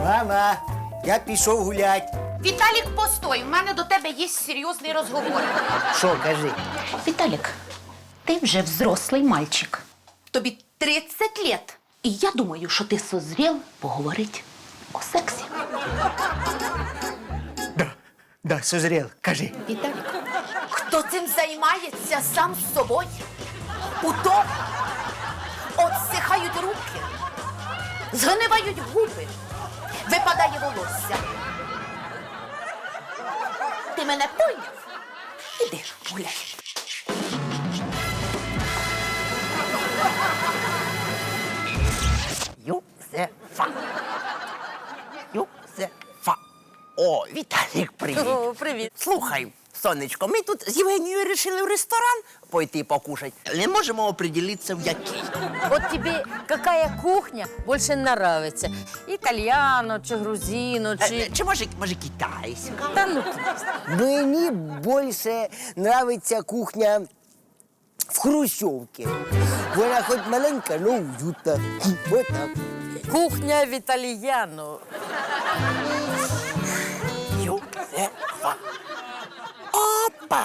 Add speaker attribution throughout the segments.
Speaker 1: Мама, я пішов гулять.
Speaker 2: Віталік, постой, у мене до тебе є серйозний розговор.
Speaker 1: Що, кажи?
Speaker 2: Віталік, ти вже взрослий мальчик. Тобі 30 лет. І я думаю, що ти созрів поговорити о сексі.
Speaker 1: Да, созрел, кажи.
Speaker 2: Віталік, хто цим займається сам з собою? У тому отсихають руки, згнивають губи, випадає волосся. Ти мене поняв? Іди гуляй.
Speaker 1: Юзефа. Юзефа. О, Віталік, привіт.
Speaker 3: О, привіт.
Speaker 1: Слухай, сонечко, ми тут з Євгенією вирішили в ресторан пойти покушать. Не можемо определитися, в який.
Speaker 3: Вот тебе какая кухня больше нравится? Итальяно, чи грузино, чи...
Speaker 1: Чи може китайська?
Speaker 3: Да ну ты.
Speaker 4: Мені більше нравиться кухня в хрущовці. Вона хоч маленька, але уютна. Вот так.
Speaker 3: Кухня в итальяно.
Speaker 1: Юзефа. Опа!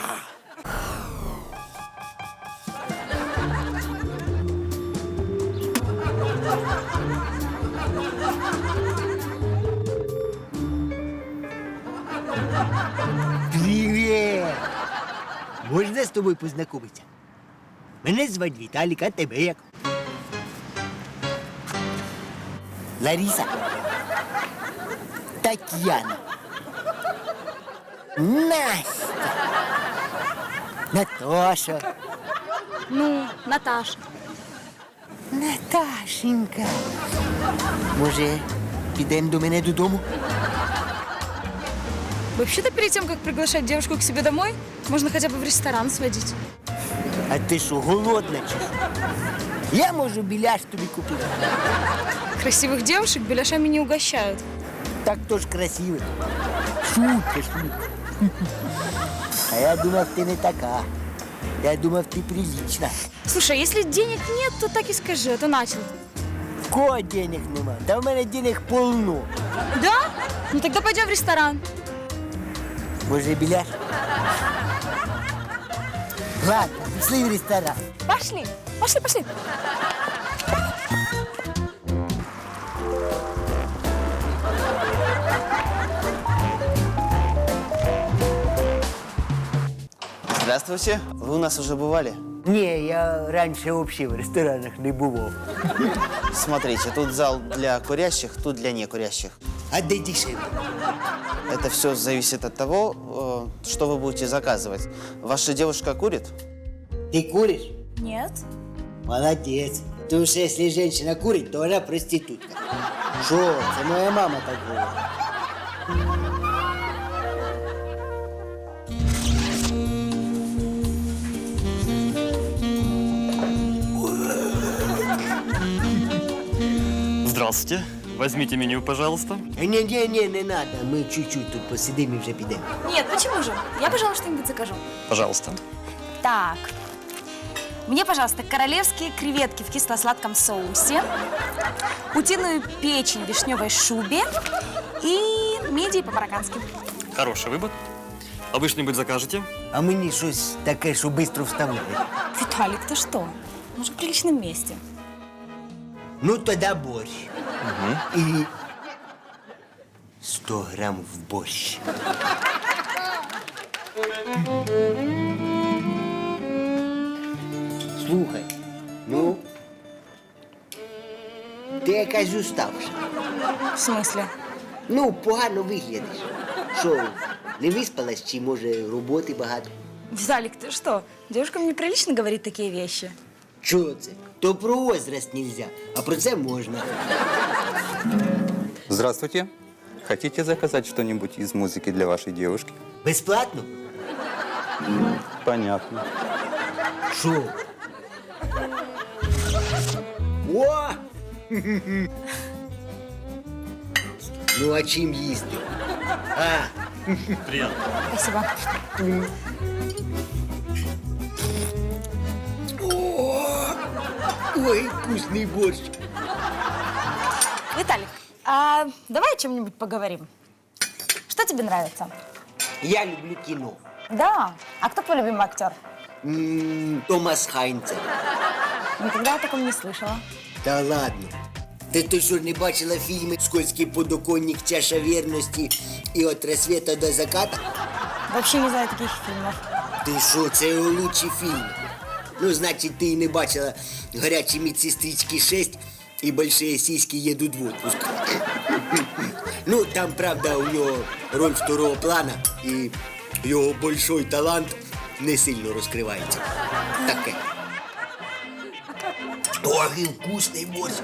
Speaker 4: Привіт! Можна з тобою познайомитися? Мене звати Віталік, а тебе як? Лариса. Тетяна. Настя. Наташа.
Speaker 5: Ну, Наташа.
Speaker 4: Наташенька. Може, підемо до мене додому?
Speaker 5: Вообще-то перед тем, как приглашать девушку к себе домой, можно хотя бы в ресторан сводить.
Speaker 4: А ти що, голодна чи що? Я можу біляш тобі купити.
Speaker 5: Красивых девушек беляшами не угощают.
Speaker 4: Так то ж красиво. Шутка. А я думав, ти не така. Я думав, ти прилична.
Speaker 5: Слушай, а если денег нет, то так и скажи, а то начал.
Speaker 4: В кого денег нема? Та в мене денег полно.
Speaker 5: Да? Ну тогда пойдем в ресторан.
Speaker 4: Може, біляш? Ладно, пішли в ресторан.
Speaker 5: Пошли, пошли, пошли.
Speaker 6: Здравствуйте. Вы у нас уже бывали?
Speaker 4: Ні, я раніше взагалі в ресторанах не бував.
Speaker 6: Смотрите, тут зал для курящих, тут для некурящих.
Speaker 4: А де дешевле?
Speaker 6: Это все зависит от того, что вы будете заказывать. Ваша девушка курит?
Speaker 4: Ти куриш?
Speaker 5: Нет.
Speaker 4: Молодець. Тому що якщо жінка курить, то вона проститутка. Що? Це моя мама так говорить.
Speaker 7: Здравствуйте. Возьмите меню, пожалуйста.
Speaker 4: Ні, не надо. Ми чуть-чуть тут посидимо і вже підемо.
Speaker 5: Нет, почему же? Я, пожалуй, что-нибудь закажу.
Speaker 7: Пожалуйста.
Speaker 5: Так. Мне, пожалуйста, королевские креветки в кисло-сладком соусе, утиную печень в вишневой шубе и мидии по-мароккански.
Speaker 7: Хороший выбор. А вы что-нибудь закажете?
Speaker 4: А мені щось таке, що швидко вставляє.
Speaker 5: Виталик, ты что? Мы же в приличном месте.
Speaker 4: Ну, тоді борщ. І 100 грам в борщ. Слухай, ну, ти якась уставша.
Speaker 5: В смысле?
Speaker 4: Ну, погано виглядиш. Що, не виспалась, чи, може, роботи багато?
Speaker 5: Виталик, ты что? Девушкам неприлично говорить такие вещи.
Speaker 4: Чого це? То про возраст нельзя, а про це можна.
Speaker 8: Здравствуйте. Хотите заказать что-нибудь из музыки для вашей девушки?
Speaker 4: Безплатно?
Speaker 8: Понятно.
Speaker 4: Що? О! Ну, а чим їсти? А,
Speaker 7: Приятно.
Speaker 5: Спасибо.
Speaker 4: ой, вкусний борщ.
Speaker 5: Виталик, А давай о чем-нибудь поговорим. Что тебе нравится?
Speaker 4: Я люблю кіно.
Speaker 5: Да. А кто твой любимый актер?
Speaker 4: Томас Хайнце.
Speaker 5: Никогда о таком не слышала.
Speaker 4: Та ладно. Ти що, не бачила фільми «Скользкий подоконник», «Чаша вірності» і «От рассвета до заката»?
Speaker 5: Вообще не знаю таких фильмов.
Speaker 4: Ти що, це лучші фільми. Ну, значить, ти і не бачила «Гарячі медсестрички 6» і «Большие сиськи едут в отпуск». Ну, там, правда, у нього роль второго плана, і його большой талант не сильно розкривається. Таке. Ой, вкусний борщ.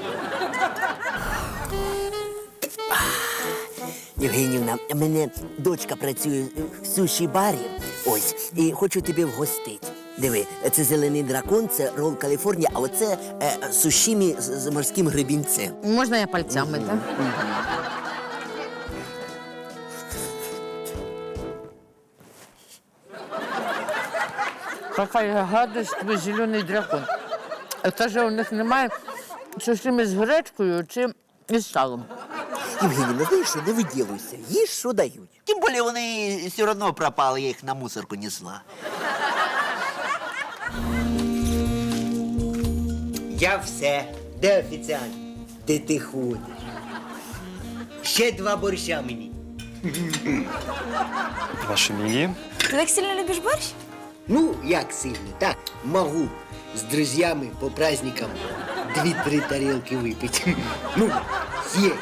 Speaker 4: Євгенівна, у мене дочка працює в суші-барі, ось, і хочу тебе вгостити. Диви, це зелений дракон, це рол Каліфорнія, а оце сушімі з морським гребінцем.
Speaker 3: Можна я пальцями, так? Какая гадость, твій зелений дракон. Це ж у них немає сушими з гречкою чи із салом.
Speaker 4: Євгенівна, знаєш що, не виділуйся, їж, що дають.
Speaker 1: Тим більше вони все одно пропали, я їх на мусорку несла.
Speaker 4: Я все. Де офіціант? Де ти ходиш? Ще 2 борща мені.
Speaker 7: Ваше мнение?
Speaker 5: Ты так сильно любишь борщ?
Speaker 4: Ну, як сильно, так, можу з друзями по праздникам 2-3 тарілки випити. Ну, съесть.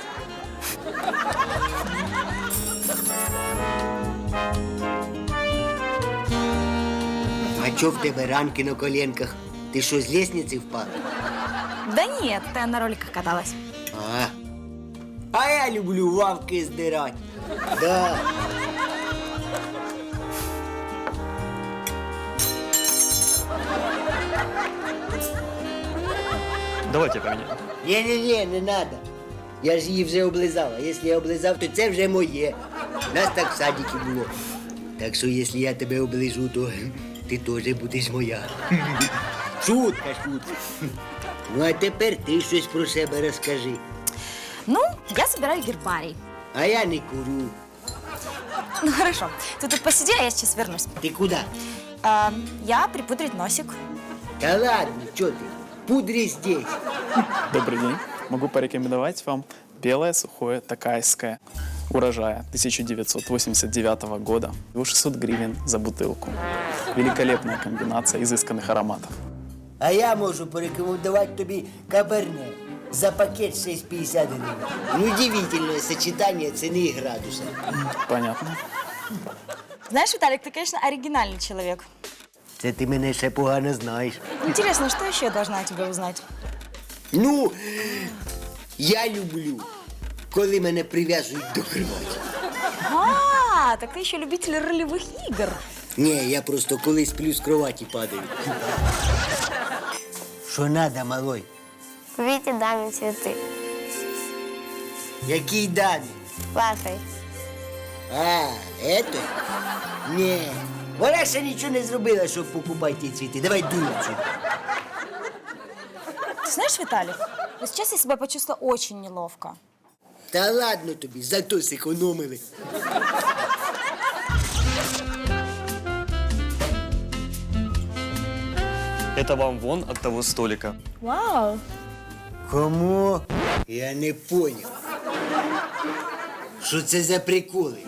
Speaker 4: А чо в тебе ранки на коленках? Ти що, з лестниці впав?
Speaker 5: Да нет, я на роликах каталась.
Speaker 4: А я люблю лавки здирати. Да.
Speaker 7: Давайте поменяем.
Speaker 4: Ні, не надо. Я ж її вже облизав. А якщо я облизав, то це вже моє. Нас так в садіки було. Так що, якщо я тебе оближу, то ти теж будеш моя. Шутка. Ну, а тепер ти щось про себе розкажи.
Speaker 5: Ну, я собираю гербарий.
Speaker 4: А я не курю.
Speaker 5: Ну хорошо, ты тут посиди, а я сейчас вернусь.
Speaker 4: Ти куди?
Speaker 5: Я припудрить носик.
Speaker 4: Та ладно, чо ти? Пудри здесь.
Speaker 9: Добрый день. Могу порекомендовать вам белое сухое такайское урожая 1989 года. Его 600 гривен за бутылку. Великолепная комбинация изысканных ароматов.
Speaker 4: А я можу порекомендувати тобі каберне. За пакет 6,50 гривень. Ну, удивительное сочетание цены и градуса.
Speaker 9: Понятно.
Speaker 5: Знаешь, Виталик, ты, конечно, оригинальный человек.
Speaker 4: Це ти мене ще погано знаєш.
Speaker 5: Интересно, что еще я должна о тебе узнать?
Speaker 4: Ну, я люблю, коли мене прив'язують до кроваті.
Speaker 5: А, так ты еще любитель ролевых игр.
Speaker 4: Ні, я просто коли сплю з кроваті падаю. Що надо, малой?
Speaker 10: Купите даме цветы.
Speaker 4: Який дані?
Speaker 10: Вашей.
Speaker 4: А, это? Ні. Вона ще нічого не зробила, щоб покупати ті цвіти. Давай дуй отсюда.
Speaker 5: Ты знаешь, Виталик, вот сейчас я себя почувствовала очень неловко.
Speaker 4: Та ладно тобі, зато зекономили.
Speaker 7: Это вам вон от того столика.
Speaker 5: Вау.
Speaker 4: Кому? Я не поняв. Що це за приколи?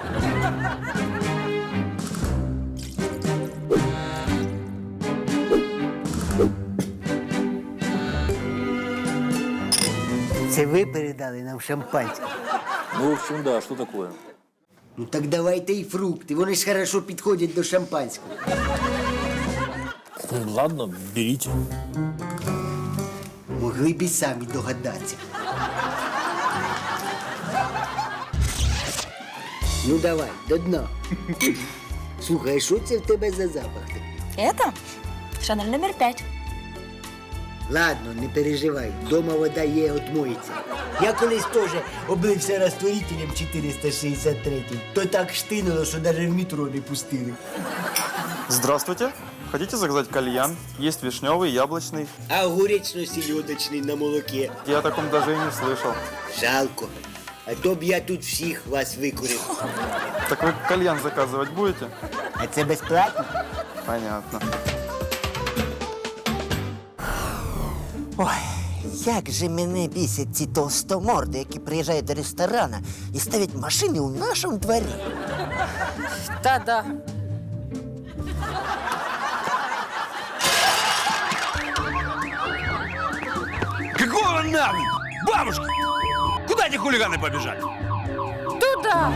Speaker 4: Це ви передали нам шампанське?
Speaker 8: Ну, в общем, да, что такое?
Speaker 4: Ну так давайте і фрукти, вони ж хорошо підходять до шампанського.
Speaker 11: Ладно, берите.
Speaker 4: Могли б і самі догадатися. Ну давай, до дна. Слухай, а що це в тебе за запах такий?
Speaker 5: Это Шанель номер 5.
Speaker 4: Ладно, не переживай, дома вода є, отмоється. Я колись теж облився розтворителем 463, то так штинуло, що навіть в метро не пустили.
Speaker 7: Здравствуйте.
Speaker 9: Хотите заказать кальян? Есть вишневый, яблочный.
Speaker 4: А огуречно-сільодочний на молоке.
Speaker 9: Я о таком даже и не слышал.
Speaker 4: Жалко. А то б я тут всіх вас викурив.
Speaker 9: Так вы кальян заказывать будете?
Speaker 4: А це безплатно?
Speaker 9: Понятно.
Speaker 1: Ой, як же мене бісять ці толстоморди, які приїжджають до ресторану і ставлять машини у нашому дворі.
Speaker 3: Та-да.
Speaker 11: Какого нахуй? Бабушка! Куда эти хулиганы побежали?
Speaker 3: Туда.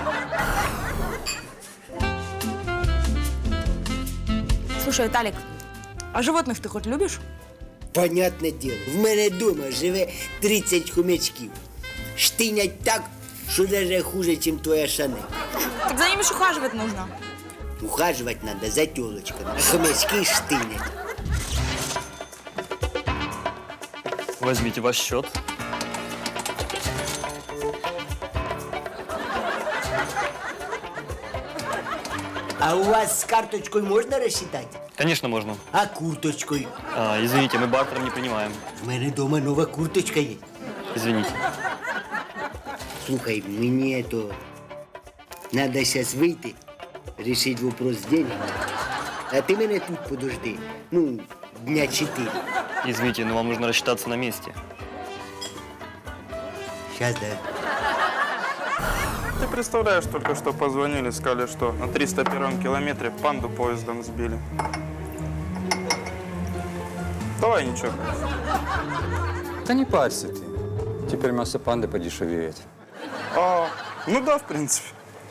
Speaker 5: Слушай, Виталик, а животных ты хоть любишь?
Speaker 4: Понятне діло, в мене вдома живе 30 хомячків. Штинять так, що навіть хуже, ніж твоя Шанель.
Speaker 5: Так за ними ж ухаживать нужно.
Speaker 4: Ухаживать надо за тілочками, а хомячки штинять.
Speaker 7: Возьмите ваш счет.
Speaker 4: А у вас з карточкою можна розчитати?
Speaker 7: Конечно, можно.
Speaker 4: А курточкою?
Speaker 7: Извините, мы бартером не принимаем.
Speaker 4: В мене вдома нова курточка є.
Speaker 7: Извините.
Speaker 4: Слухай, мені то надо зараз вийти, рішити вопрос з деньгами. А ти мене тут подожди. Ну, дня 4.
Speaker 7: Извините, но вам нужно рассчитаться на месте.
Speaker 4: Сейчас, да.
Speaker 9: Ты представляешь, только что позвонили, сказали, что на 301 километре панду поездом сбили. Давай ничего.
Speaker 8: Да не парься ты. Теперь мясо панды подешевеет.
Speaker 9: Ну да, в принципе.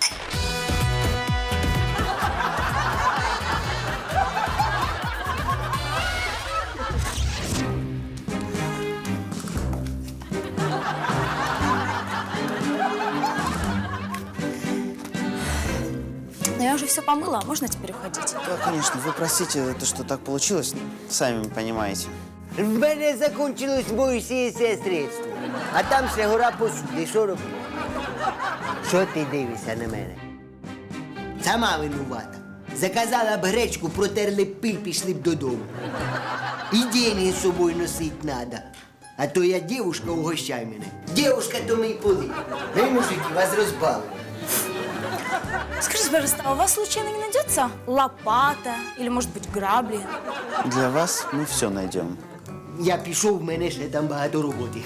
Speaker 5: Но я уже все помыла, можно теперь уходить?
Speaker 6: Да, конечно, вы простите, то, что так получилось, сами понимаете.
Speaker 4: В мене закончилось моїсеє средство. А там ще гора посуди. Що робити? Що ти дивишся на мене? Сама винувата. Заказала б гречку, протерли б пиль, пішли б додому. І деньги з собою носить надо. А то я дівушка, угощай мене. Дівушка, то мій поли. Ви, мужики, вас розбавили.
Speaker 5: Скажите, пожалуйста, а у вас случайно не найдется лопата или, может быть, грабли?
Speaker 6: Для вас мы все найдем.
Speaker 4: Я пішов, в мене ще там багато роботи.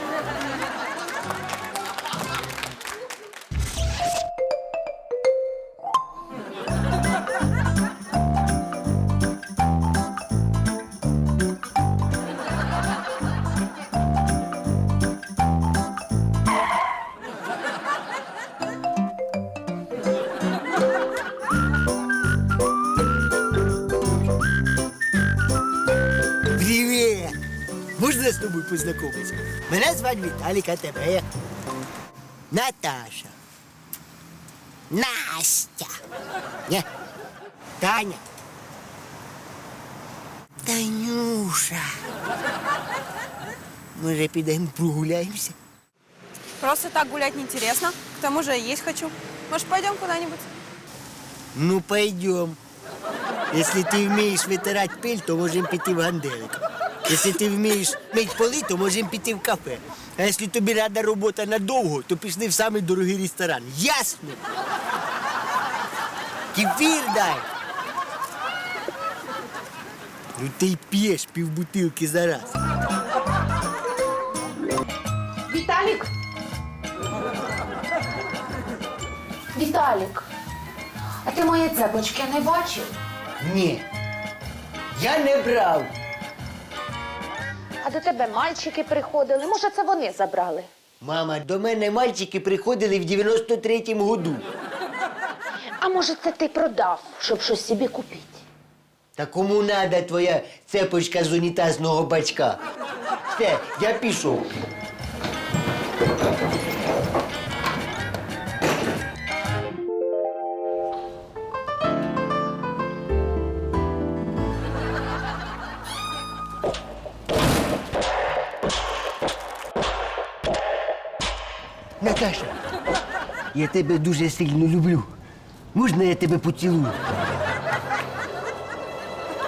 Speaker 4: Привіт! Можна з тобою познайомитися? Мене звати Віталік, а тебе як? Наташа. Настя. Ні. Таня. Танюша. Може, підемо прогуляємося?
Speaker 5: Просто так гулять неинтересно. К тому же есть хочу. Может, пойдем куда-нибудь?
Speaker 4: Ну, пойдем. Если ты вмієш витирати пиль, то можемо піти в ганделик. Якщо ти вмієш мити поли, то можемо піти в кафе. А якщо тобі треба робота надовго, то пішли в самий дорогий ресторан. Ясно? Кефір дай. Ну ти й п'єш півбутилки за раз.
Speaker 2: Віталік! Віталік! А ти мої цепочки не бачив?
Speaker 4: Ні. Я не брав.
Speaker 2: А до тебе мальчики приходили. Може, це вони забрали?
Speaker 4: Мама, до мене мальчики приходили в 93-му году.
Speaker 2: А може, це ти продав, щоб щось собі купити?
Speaker 4: Та кому надо твоя цепочка з унітазного бачка? Все, я пішов. Наташа, я тебе дуже сильно люблю. Можна я тебе поцілую?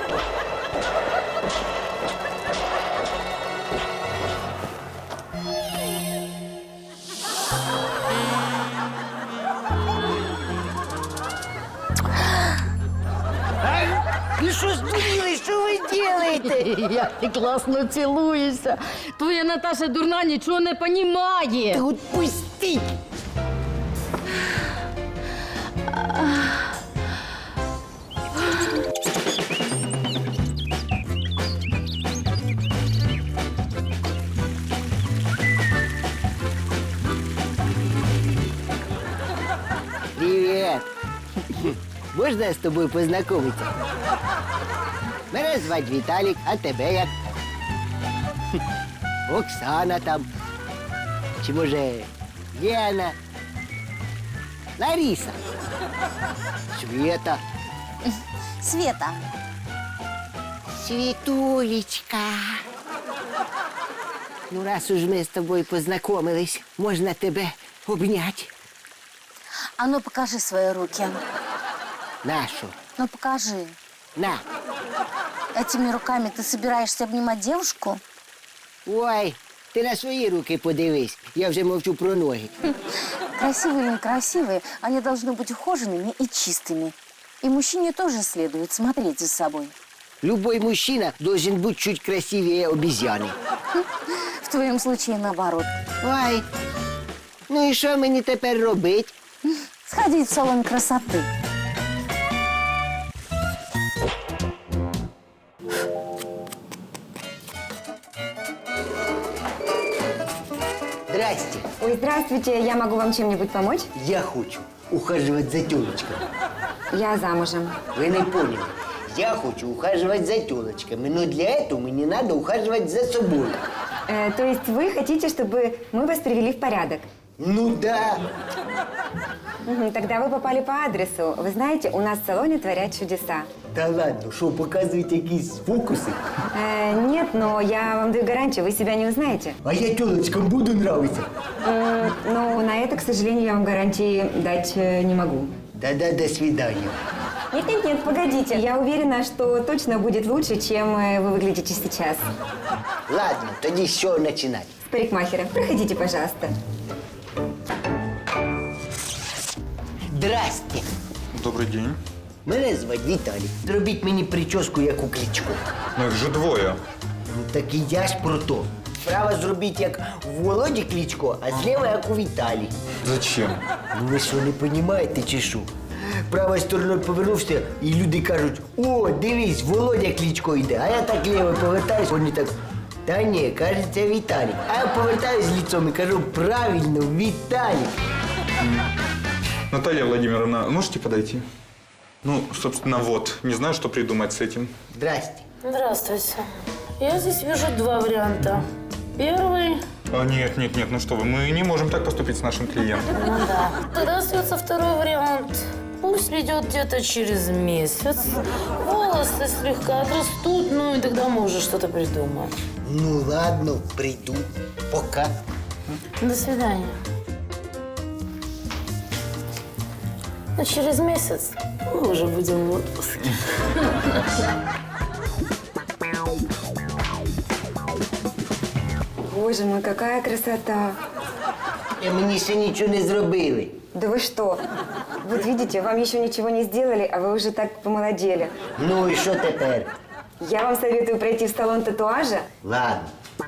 Speaker 1: що здуріли? Що ви робите?
Speaker 12: Як ти класно цілуєшся. Твоя Наташа дурна нічого не понімає.
Speaker 1: Та отпустіть!
Speaker 4: Привет! Можна з тобою познайомитися? Мене звати Віталік, а тебе як? Оксана там. Чи може Лена? Лариса? Света?
Speaker 5: Света.
Speaker 4: Світулечка. Ну, раз уж ми з тобою познайомились, можна тебе обняти.
Speaker 5: А ну покажи свои руки.
Speaker 4: Нашу.
Speaker 5: Ну покажи.
Speaker 4: На.
Speaker 5: Этими руками ты собираешься обнимать девушку?
Speaker 4: Ой, ти на свої руки подивись. Я вже мовчу про ноги.
Speaker 5: Красивые или некрасивые, они должны быть ухоженными и чистыми. И мужчине тоже следует смотреть за собой.
Speaker 4: Любой мужчина должен быть чуть красивее обезьяны.
Speaker 5: В твоем случае наоборот.
Speaker 4: Ой, ну і що мені тепер робити?
Speaker 5: Сходить в салон красоты.
Speaker 4: Здрасте.
Speaker 10: Ой, здравствуйте, я могу вам чем-нибудь помочь?
Speaker 4: Я хочу ухаживать за тёлочками.
Speaker 10: Я замужем.
Speaker 4: Вы не поняли. Я хочу ухаживать за тёлочками, но для этого мне надо ухаживать за собой.
Speaker 10: То есть вы хотите, чтобы мы вас привели в порядок?
Speaker 4: Ну да.
Speaker 10: Тогда вы попали по адресу. Вы знаете, у нас в салоне творят чудеса.
Speaker 4: Да ладно, что, показывать якісь фокусы?
Speaker 10: Нет, но я вам даю гарантию, вы себя не узнаете.
Speaker 4: А я тёлочкам буду нравиться.
Speaker 10: Но на это, к сожалению, я вам гарантии дать не могу.
Speaker 4: Да-да, до свидания.
Speaker 10: Нет, погодите. Я уверена, что точно будет лучше, чем вы выглядите сейчас.
Speaker 4: Ладно, тоді з чого починати?
Speaker 10: С парикмахера. Проходите, пожалуйста.
Speaker 4: Здрасте.
Speaker 8: Добрый день.
Speaker 4: Мене звати Віталій. Зробіть мені прическу, як у Кличко.
Speaker 8: Ну их же двое.
Speaker 4: Ну так і я ж про то. Справа зробіть, як у Володі Кличко, а зліва, як у Віталій.
Speaker 8: Зачем?
Speaker 4: Ну ви що, не розумієте чи що? Правою стороною повернувся, і люди кажуть: о, дивись, Володя Кличко йде. А я так лівою повертаюсь, вони так: та ні, кажеться, Віталій. А я повертаюсь лицом і кажу: правильно, Віталій.
Speaker 8: Наталья Владимировна, можете подойти? Ну, собственно, вот. Не знаю, что придумать с этим.
Speaker 4: Здрасте.
Speaker 13: Здравствуйте. Я здесь вижу два варианта. Первый...
Speaker 8: Нет, ну что вы, мы не можем так поступить с нашим клиентом.
Speaker 13: Ну да. Тогда остается второй вариант. Пусть придет где-то через месяц. Волосы слегка отрастут, ну и тогда мы уже что-то придумаем.
Speaker 4: Ну ладно, приду. Пока.
Speaker 13: До свидания. А через месяц мы уже будем в отпуске.
Speaker 10: Боже мой, какая красота.
Speaker 4: Мені ще нічого не зробили.
Speaker 10: Да вы что? Вот видите, вам еще ничего не сделали, а вы уже так помолодели.
Speaker 4: Ну і що тепер?
Speaker 10: Я вам советую пройти в салон татуажа.
Speaker 4: Ладно.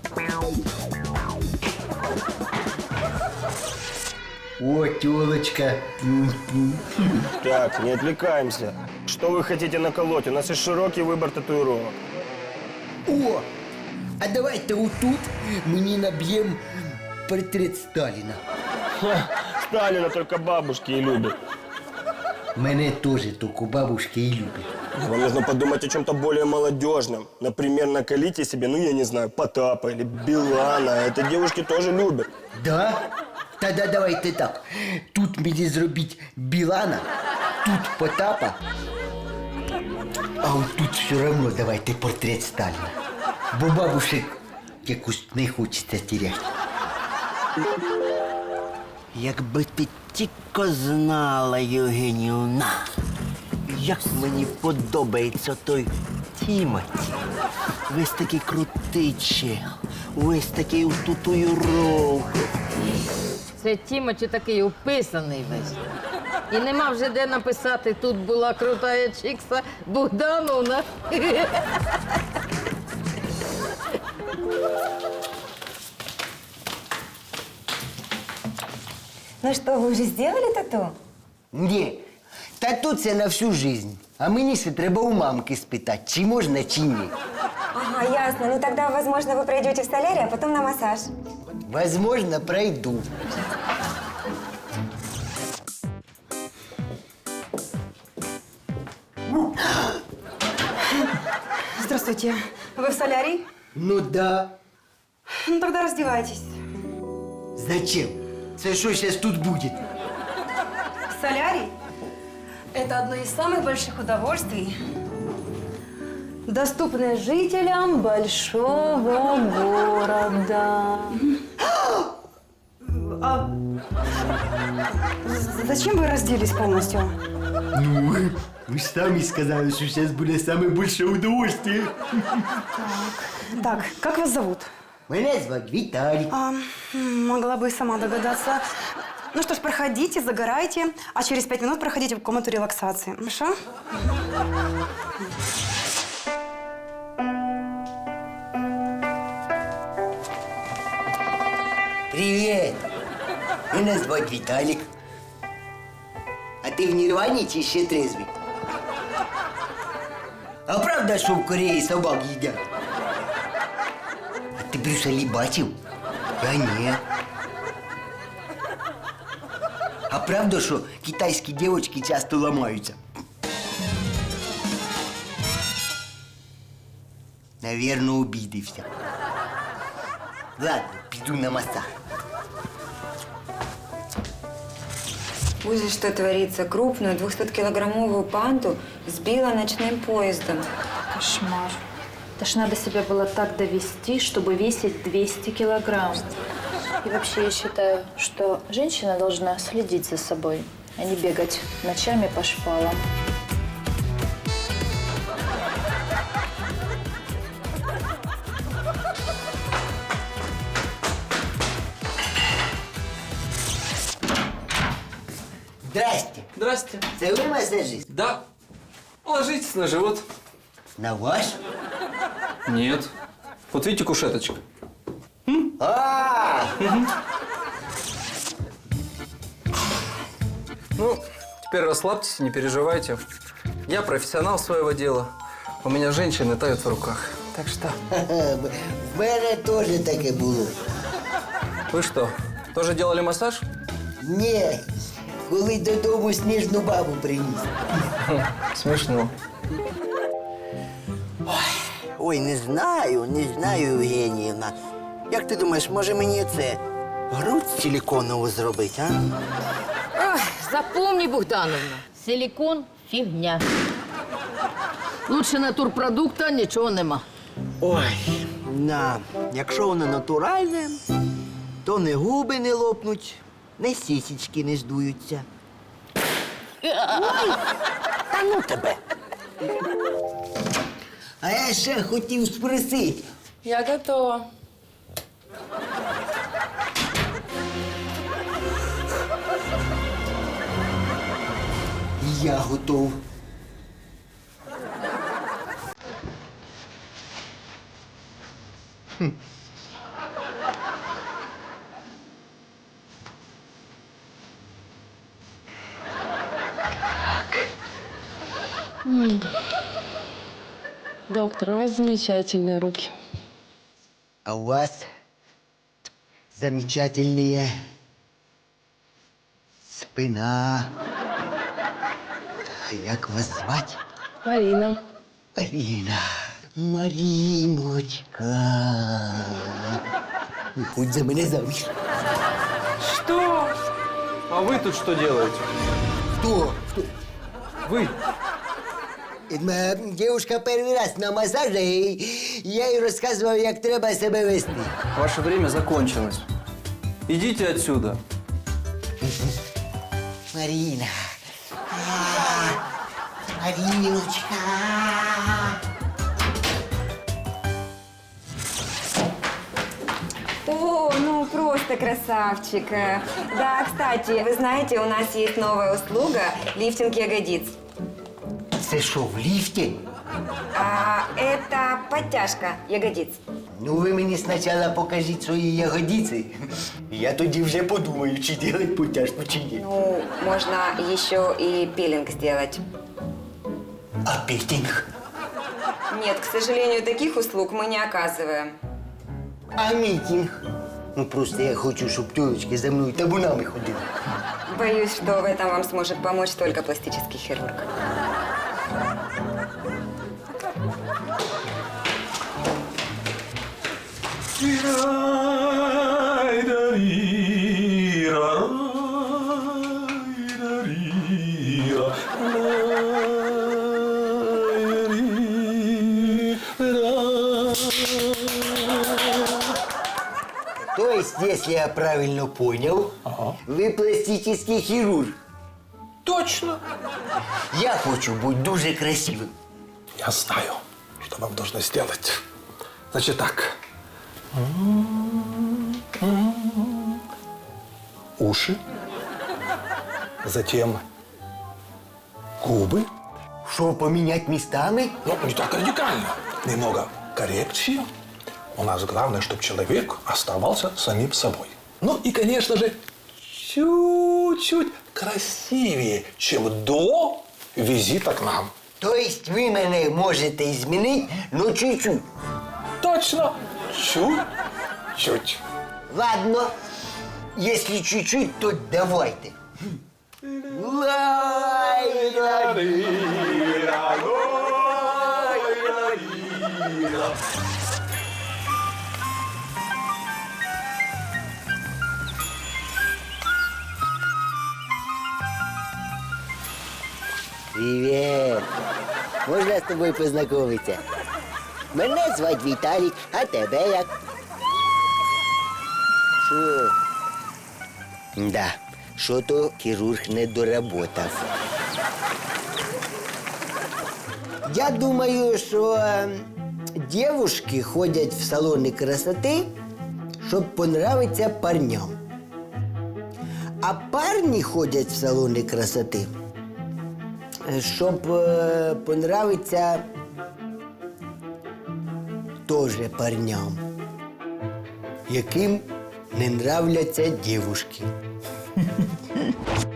Speaker 4: О, тёлочка.
Speaker 14: Так, не отвлекаемся. Что вы хотите наколоть? У нас есть широкий выбор татуировок.
Speaker 4: О, а давайте отут мені наб'ємо портрет Сталіна.
Speaker 14: Сталина только бабушки и любят.
Speaker 4: Мене теж тільки бабушки і люблять.
Speaker 14: Вам нужно подумать о чем-то более молодежном. Например, наколите себе, ну я не знаю, Потапа или Билана. Это девушки тоже любят.
Speaker 4: Да? Тогда давайте так. Тут мені зробіть Білана, тут Потапа, а от тут все одно давайте портрет Сталіна. Бо бабушек якось не хочеться теряти. Якби ти тільки знала, Євгенівна, як мені подобається той Тімоті. Весь такий крутий чел, весь такий у татуїровках.
Speaker 12: Це Тімочі такий уписаний весь. І нема вже де написати, тут була крутая чикса Богдановна.
Speaker 10: Ну что, вы уже сделали тату?
Speaker 4: Ні, тату це на всю жизнь. А мені ще треба у мамки спитати, чи можна, чи ні.
Speaker 10: Ага, ясно. Ну тогда, возможно, вы пройдете в солярий, а потом на массаж.
Speaker 4: Возможно, пройду.
Speaker 10: Здравствуйте. Вы в солярий?
Speaker 4: Ну да.
Speaker 10: Ну тогда раздевайтесь.
Speaker 4: Зачем? Це що зараз тут буде?
Speaker 10: Солярий – это одно из самых больших удовольствий, доступное жителям большого города. А зачем вы разделись полностью?
Speaker 4: Ну, ви ж самі сказали, що зараз буде саме більше удовольствие.
Speaker 10: Так, как вас зовут?
Speaker 4: Мене звати Віталік.
Speaker 10: Могла бы и сама догадаться. Ну что ж, проходите, загорайте, а через 5 минут проходите в комнату релаксации. Хорошо?
Speaker 4: Привіт! Мене звати Віталік. А ти в Нірвані чи ще трезвий? А правда, що в Кореї собак їдять? А ти Брюса бачив? Я ні. А правда, що китайські дівчатки часто ламаються? Наверно, обідився. Ладно, піду на масаж.
Speaker 10: Ужас, что творится. Крупную 200-килограммовую панту сбила ночным поездом.
Speaker 15: Кошмар. Это ж надо себя было так довести, чтобы весить 200 килограмм. И вообще я считаю, что женщина должна следить за собой, а не бегать ночами по шпалам.
Speaker 4: Здрасте.
Speaker 16: Здрасте.
Speaker 4: Це ви масажист?
Speaker 16: Да. Ложитесь на живот.
Speaker 4: На ваш?
Speaker 16: Нет. Вот видите кушеточка? Ну, теперь расслабьтесь, не переживайте. Я профессионал своего дела. У меня женщины тают в руках. Так что...
Speaker 4: В мене теж таке було.
Speaker 16: Вы что, тоже делали массаж?
Speaker 4: Ні, коли додому сніжну бабу приніс.
Speaker 16: Смешно.
Speaker 1: Ой, не знаю, Євгенівна. Як ти думаєш, може мені це грудь силіконову зробити, а?
Speaker 12: Ой, запомни, Богдановна, силикон – фігня. Лучше натурпродукта нічого нема.
Speaker 1: Ой, якщо воно натуральне, то не губи не лопнуть, не сісічки не здуються. Ой, та ну тебе!
Speaker 4: А я ще хотів спросити.
Speaker 15: Я готова.
Speaker 4: Я готов.
Speaker 12: Доктор, у вас замечательные руки.
Speaker 4: А у вас замечательная спина. Як вас звати?
Speaker 12: Марина.
Speaker 4: Марина. Мариночка. Выходь за меня замуж.
Speaker 16: Что? А вы тут что делаете?
Speaker 4: Кто?
Speaker 16: Вы.
Speaker 4: Моя девушка первый раз на массаже, и я ей рассказывал, как треба себя вести.
Speaker 16: Ваше время закончилось. Идите отсюда.
Speaker 4: Марина. Мариночка.
Speaker 17: О, ну просто красавчик. Да, кстати, вы знаете, у нас есть новая услуга – лифтинг ягодиц.
Speaker 4: Це що, в ліфті?
Speaker 17: Это подтяжка ягодиц.
Speaker 4: Ну, ви мені спочатку покажіть свої ягодиці. Я тоді вже подумаю, чи делать потяжку, чи ні.
Speaker 17: Ну, можно еще и пилинг сделать.
Speaker 4: А петинг?
Speaker 17: Нет, к сожалению, таких услуг мы не оказываем.
Speaker 4: А мітинг? Ну, просто я хочу, щоб тёлочки за мною табунами ходили.
Speaker 17: Боюсь, что в этом вам сможет помочь только пластический хирург.
Speaker 4: То есть, если я правильно понял, вы пластический хирург.
Speaker 11: Точно.
Speaker 4: Я хочу быть дуже красивым.
Speaker 11: Я знаю, что вам нужно сделать. Значит так. Уши. Затем губы.
Speaker 4: Что, поменять местами?
Speaker 11: Ну, не так радикально. Немного коррекции. У нас главное, чтобы человек оставался самим собой. Ну и, конечно же, чуть-чуть красивее, чем до визита к нам.
Speaker 4: То есть вы меня можете изменить, но чуть-чуть?
Speaker 11: Точно. Чуть-чуть.
Speaker 4: Ладно. Если чуть-чуть, то давайте. Привет. Можно с тобой познакомиться? Мене звать Віталік, а тебе як? Що? Да, що-то хірург не доработав. Я думаю, що девушки ходять в салони красоти, щоб понравиться парням. А парні ходять в салони красоти, щоб понравиться тоже парням, яким не нравляться девушки.